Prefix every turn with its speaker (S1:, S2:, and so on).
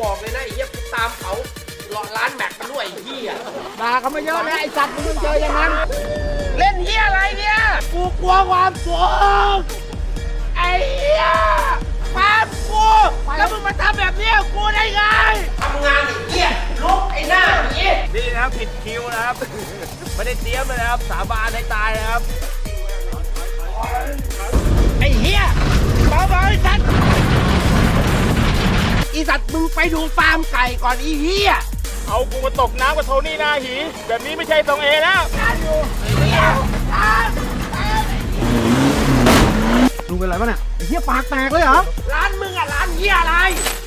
S1: บอกเลยนะไอ้เหี้ยกูตามเขาหลอร้านแม็กกันด้วยไอ้เหี้ย
S2: ด่าเขามาเยอะแล้วไอ้สัตว์มึงเจออย่างนั้น
S1: เล่นเหี้ยอะไรเนี่ย
S2: กูกลัวความสูง
S1: ไอ้เหี้ยปามกูแล้วมึงมาทำแบบเนี้ยกูได้ไงทำงานไอ้เหี้ยลุกไอ้หน้าหนี
S3: นี่นะครับผิดคิวนะครับ ไม่ได้เตรียมเลยนะครับ สาบานให้ตายนะครับ
S1: ไอ้เหี้ยเบาๆไอ้สัตว์อีสัตว์มึงไปดูฟาร์มไก่ก่อนอีเหี้ย
S3: เอากูมาตกน้ำกับโทนี่หน้าหี แบบนี้ไม่ใช่ทรงเอแล้ว
S2: ลุงเป็นไรปะเนี่ยไอ้เหี้ยปากแตกเลยเหรอ
S1: ร้านมึงอะร้านเหี้ยอะไร